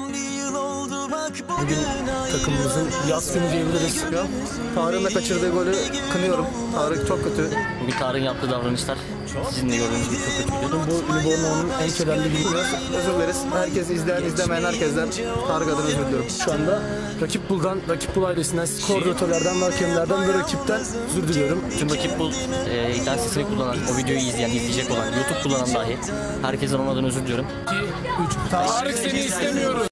Bugün takımımızın yaz günü diyebiliriz. Tarık'ın da kaçırdığı golü kınıyorum. Tarık çok kötü. Bugün Tarık'ın yaptığı davranışlar sizin de gördüğünüz gibi çok kötüydü. Bu Livorno'nun en kederli günü. Özür dileriz. Herkes izleyen, izlemeyen herkesten Tarık adına özür diliyorum. Şu anda Rakip Bul ailesinden, koordinatörlerden, hakemlerden ve rakipten özür diliyorum. Tüm Rakip Bul internet sitesini kullanan, o videoyu izleyecek olan, YouTube kullanan dahi herkesten onlardan özür diliyorum. 2, 3, Tarık seni istemiyoruz.